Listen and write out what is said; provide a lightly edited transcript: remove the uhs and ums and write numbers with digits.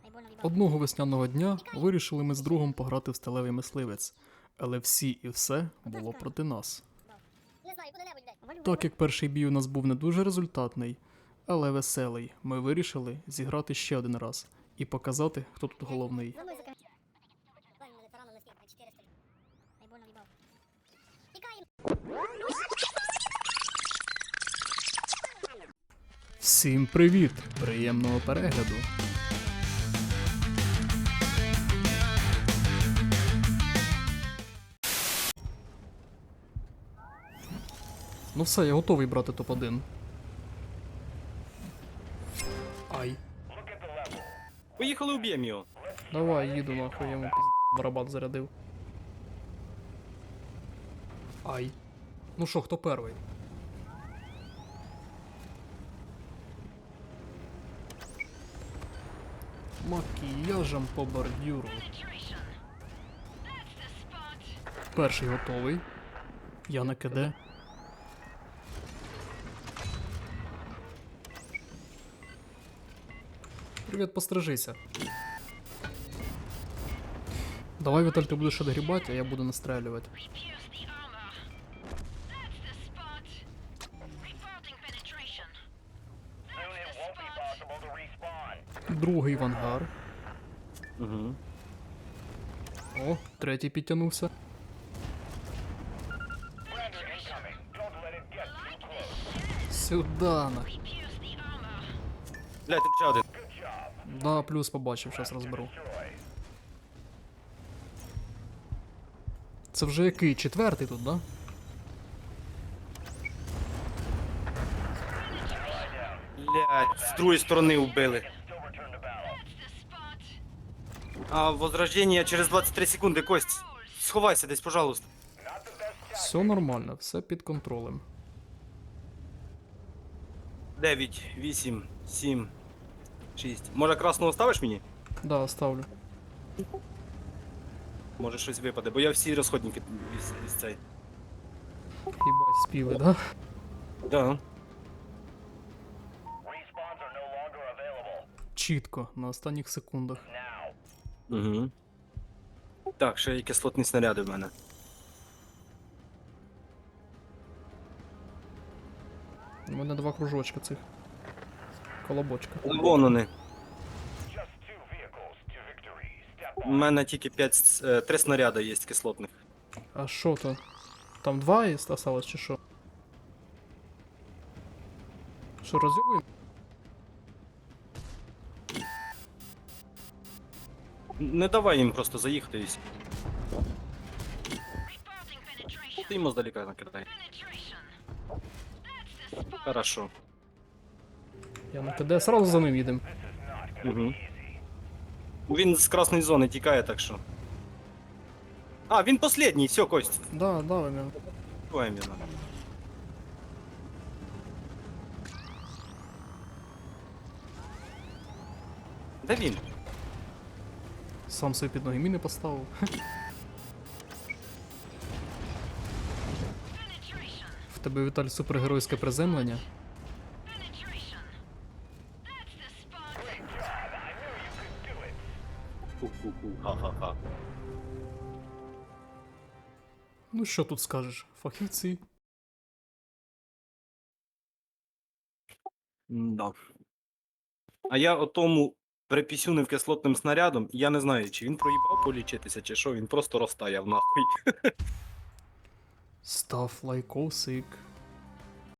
Одного весняного дня вирішили ми з другом пограти в сталевий мисливець, але всі і все було проти нас. Так як перший бій у нас був не дуже результатний, але веселий, ми вирішили зіграти ще один раз і показати, хто тут головний. Всім привіт! Приємного перегляду! Ну все, я готовий брати топ-1. Ай. Поїхали, уб'ємо його. Давай, їду нахуй, я йому барабан зарядив. Ай. Ну що, хто перший? Макіяжем по бордюру. Перший готовий. Я на КД. Привіт, пострижися. Давай, Віталь, ти будеш відгрібати, а я буду настрелювати. Другий в ангар. Угу. О, третій підтягнувся. Сюда на. Блядь, ти ще один. Да, плюс побачив, зараз розберу. Це вже який? Четвертий тут, да? Блядь, з другої сторони вбили. А возрождение через 23 секунди, Кость. Сховайся десь, пожалуйста. Все нормально, все під контролем. 9, 8, 7, 6. Може красного ставиш мені? Да, ставлю. Може щось випаде, бо я всі розходники із цей. Їбать, спіли, да? Да. Чітко, на останніх секундах. Угу. Так, ще є кислотні снаряди в мене. У мене два кружочка цих. Колобочка. Вон вони. У мене тільки 3 снаряди є кислотних. А що то? Там два є осталось чи що? Що, роз'єбуємо? Не давай їм просто заїхати і все. Ти йому здалека накидай. Хорошо. Я на КД, сразу за ним їдем. Угу. Він з красної зони тікає, так що. А, він последній, все, Кость. Да, да, ви мене. Твоє міна. Де він? Сам собі під ноги міни поставив. В тебе, Віталь, супергеройське приземлення. Ха-ха-ха. Ну що тут скажеш? Фахівці. Да. А я отому припісюнив кислотним снарядом, і я не знаю, чи він проїбав полічитися, чи що, він просто розтаяв нахуй. Став лайкосик.